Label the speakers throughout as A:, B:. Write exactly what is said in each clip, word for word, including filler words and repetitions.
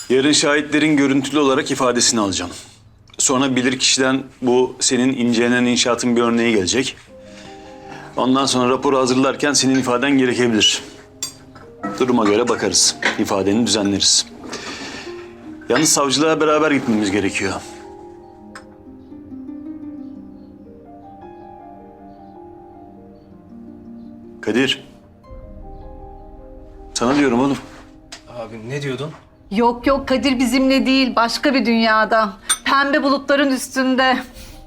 A: Yarın şahitlerin görüntülü olarak ifadesini alacağım. Sonra bilirkişiden bu senin incelenen inşaatın bir örneği gelecek. Ondan sonra raporu hazırlarken senin ifaden gerekebilir. Duruma göre bakarız. İfadeni düzenleriz. Yalnız savcılığa beraber gitmemiz gerekiyor. Kadir. Sana diyorum oğlum.
B: Abi ne diyordun?
C: Yok yok Kadir bizimle değil, başka bir dünyada. Pembe bulutların üstünde.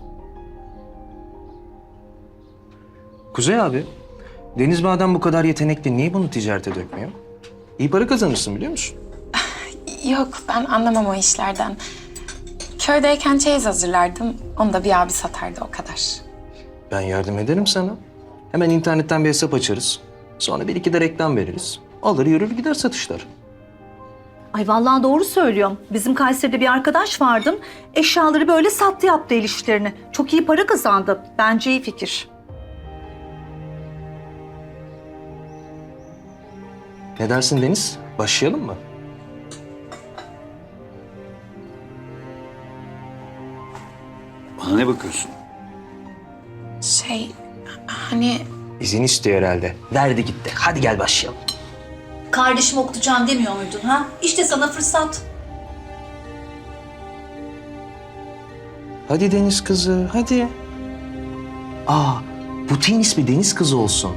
B: Kuzey abi, Deniz madem bu kadar yetenekli niye bunu ticarete dökmüyor? İyi para kazanırsın biliyor musun?
D: Yok, ben anlamam o işlerden. Köydeyken çeyiz hazırlardım. Onu da bir abi satardı, o kadar.
B: Ben yardım ederim sana. Hemen internetten bir hesap açarız. Sonra bir iki de reklam veririz. Alır yürür gider satışlar.
C: Ay vallahi doğru söylüyorum. Bizim Kayseri'de bir arkadaş vardı. Eşyaları böyle sattı, yaptı el işlerini. Çok iyi para kazandı. Bence iyi fikir.
B: Ne dersin Deniz? Başlayalım mı?
A: Bana ne bakıyorsun?
D: Şey, hani
B: İzin istiyor herhalde. Verdi gitti. Hadi gel başlayalım.
E: Kardeşim okutacağım demiyor muydun ha? İşte sana fırsat.
B: Hadi Deniz kızı, hadi. Aa, butiğin ismi Deniz kızı olsun.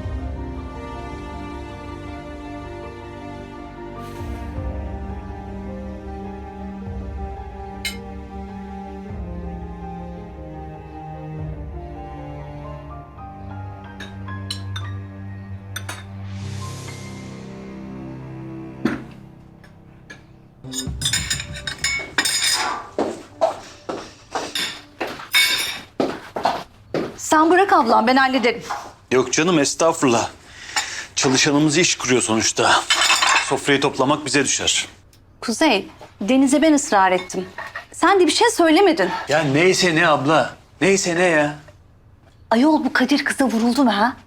C: Sen bırak ablam, ben hallederim.
A: Yok canım, estağfurullah. Çalışanımız iş kuruyor sonuçta. Sofrayı toplamak bize düşer.
C: Kuzey, Deniz'e ben ısrar ettim. Sen de bir şey söylemedin.
A: Ya neyse ne abla. Neyse ne ya.
C: Ayol bu Kadir kıza vuruldu mu ha?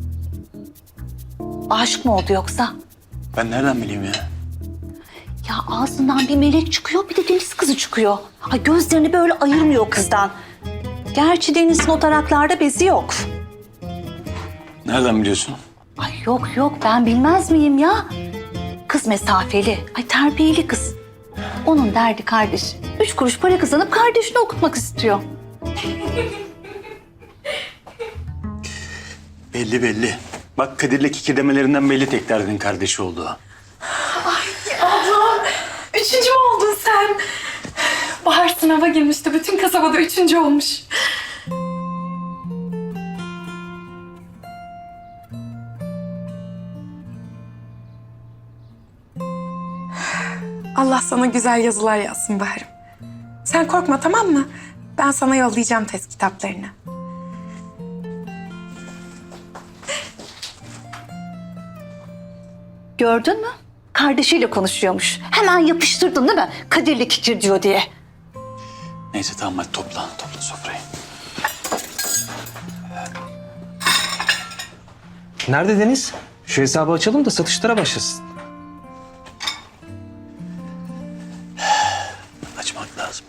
C: Aşık mı oldu yoksa?
A: Ben nereden bileyim ya?
C: Ya ağzından bir melek çıkıyor, bir de Deniz kızı çıkıyor. Ha gözlerini böyle ayırmıyor kızdan. Gerçi Deniz'in o taraklarda bezi yok.
A: Nereden biliyorsun?
C: Ay yok yok, ben bilmez miyim ya? Kız mesafeli, ay terbiyeli kız. Onun derdi kardeş. Üç kuruş para kazanıp kardeşini okutmak istiyor.
A: Belli belli. Bak Kadir'le kikirdemelerinden belli tek derdin kardeşi olduğu.
D: ablam, üçüncü mü oldun sen? Bahar sınava girmişti, bütün kasabada üçüncü olmuş. Allah sana güzel yazılar yazsın Bahar'ım. Sen korkma, tamam mı? Ben sana yollayacağım test kitaplarını.
C: Gördün mü? Kardeşiyle konuşuyormuş. Hemen yapıştırdın değil mi? Kadir'le kikir diyor diye.
A: Neyse tamam, hadi topla. Topla sofrayı.
B: Nerede Deniz? Şu hesabı açalım da satışlara başlasın.
A: Açmak lazım.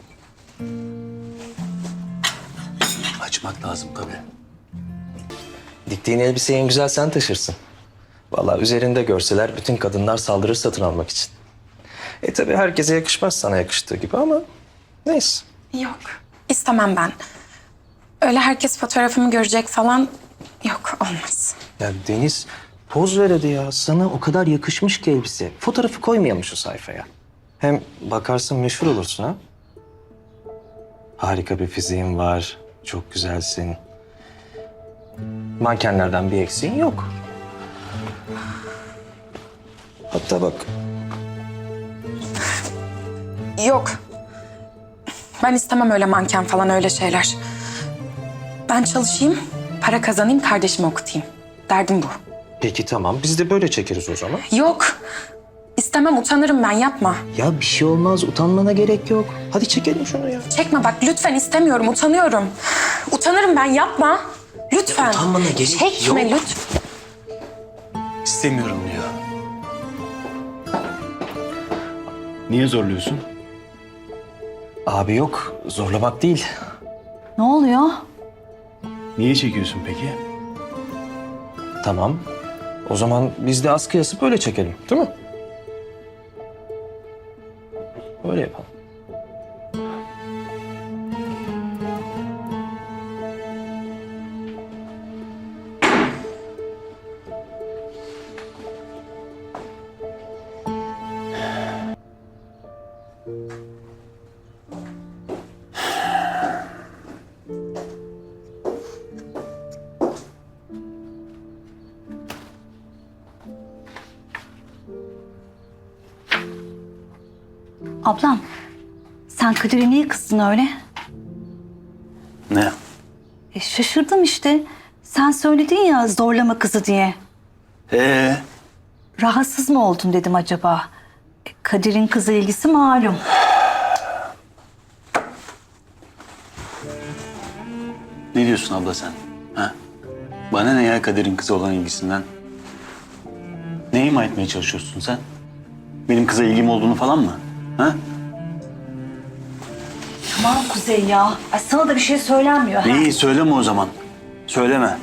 A: Açmak lazım tabii.
B: Diktiğin elbiseyi en güzel sen taşırsın. Vallahi üzerinde görseler bütün kadınlar saldırır satın almak için. E tabii herkese yakışmaz sana yakıştığı gibi ama neyse.
D: Yok, istemem ben. Öyle herkes fotoğrafımı görecek falan. Yok, olmaz.
B: Ya Deniz poz ver hadi ya. Sana o kadar yakışmış ki elbise. Fotoğrafı koymayalım şu sayfaya. Hem bakarsın meşhur olursun ha. Harika bir fiziğin var. Çok güzelsin. Mankenlerden bir eksiğin yok. Hatta bak.
D: Yok. Ben istemem öyle manken falan, öyle şeyler. Ben çalışayım, para kazanayım, kardeşimi okutayım. Derdim bu.
B: Peki tamam biz de böyle çekeriz o zaman.
D: Yok. İstemem, utanırım ben, yapma.
B: Ya bir şey olmaz utanmana gerek yok. Hadi çekelim şunu ya.
D: Çekme bak, lütfen, istemiyorum, utanıyorum. Utanırım ben, yapma. Lütfen.
B: Utanmana gerek
D: Çekme
B: yok.
D: lütfen.
A: İstemiyorum diyor. Niye zorluyorsun?
B: Abi yok, zorlamak değil.
C: Ne oluyor?
A: Niye çekiyorsun peki?
B: Tamam. O zaman biz de askı asıp öyle çekelim, değil mi? Öyle yapalım.
C: Ablam, sen Kadir'e niye kızdın öyle?
A: Ne?
C: E, şaşırdım işte. Sen söyledin ya zorlama kızı diye.
A: Ee,
C: Rahatsız mı oldun dedim acaba? E, Kadir'in kıza ilgisi malum.
A: ne diyorsun abla sen? Ha? Bana ne ya Kadir'in kızı olan ilgisinden? Ne ima etmeye çalışıyorsun sen? Benim kıza ilgim olduğunu falan mı? Ha?
C: Tamam Kuzey ya. Ay, sana da bir şey söylenmiyor. ha?
A: İyi söyleme o zaman. Söyleme.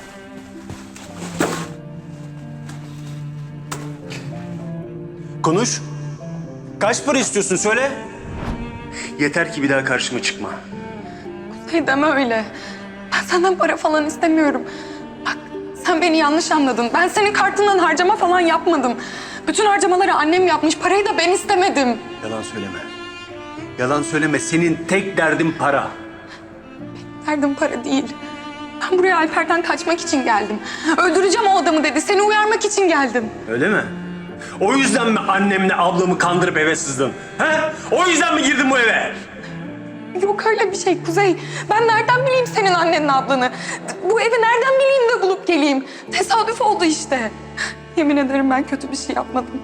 A: Konuş. Kaç para istiyorsun söyle. Yeter ki bir daha karşıma çıkma.
D: Hey deme öyle. Ben senden para falan istemiyorum. Bak sen beni yanlış anladın. Ben senin kartından harcama falan yapmadım. Bütün harcamaları annem yapmış. Parayı da ben istemedim.
A: Yalan söyleme. Yalan söyleme. Senin tek derdin para.
D: Derdim para değil. Ben buraya Alper'den kaçmak için geldim. Öldüreceğim o adamı dedi. Seni uyarmak için geldim.
A: Öyle mi? O yüzden mi annemle ablamı kandırıp eve sızdın? He? O yüzden mi girdin bu eve?
D: Yok öyle bir şey Kuzey. Ben nereden bileyim senin annenle ablanı? Bu evi nereden bileyim de bulup geleyim? Tesadüf oldu işte. Yemin ederim ben kötü bir şey yapmadım.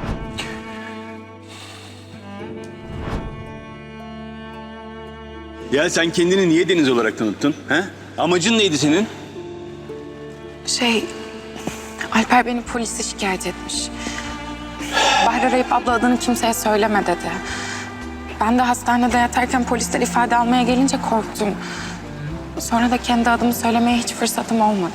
A: Ya sen kendini niye Deniz olarak tanıttın? He? Amacın neydi senin?
D: Şey, Alper beni polise şikayet etmiş. Bahar arayıp abla adını kimseye söyleme dedi. Ben de hastanede yatarken polisler ifade almaya gelince korktum. Sonra da kendi adımı söylemeye hiç fırsatım olmadı.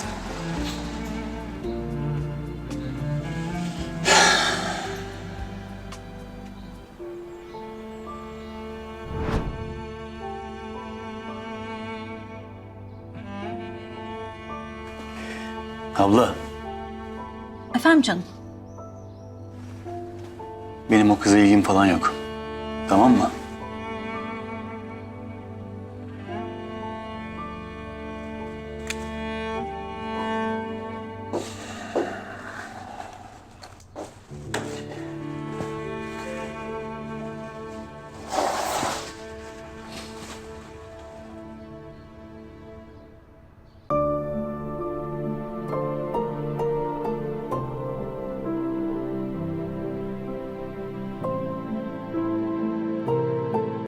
A: Abla,
C: Efendim canım?
A: benim o kıza ilgim falan yok. Tamam mı?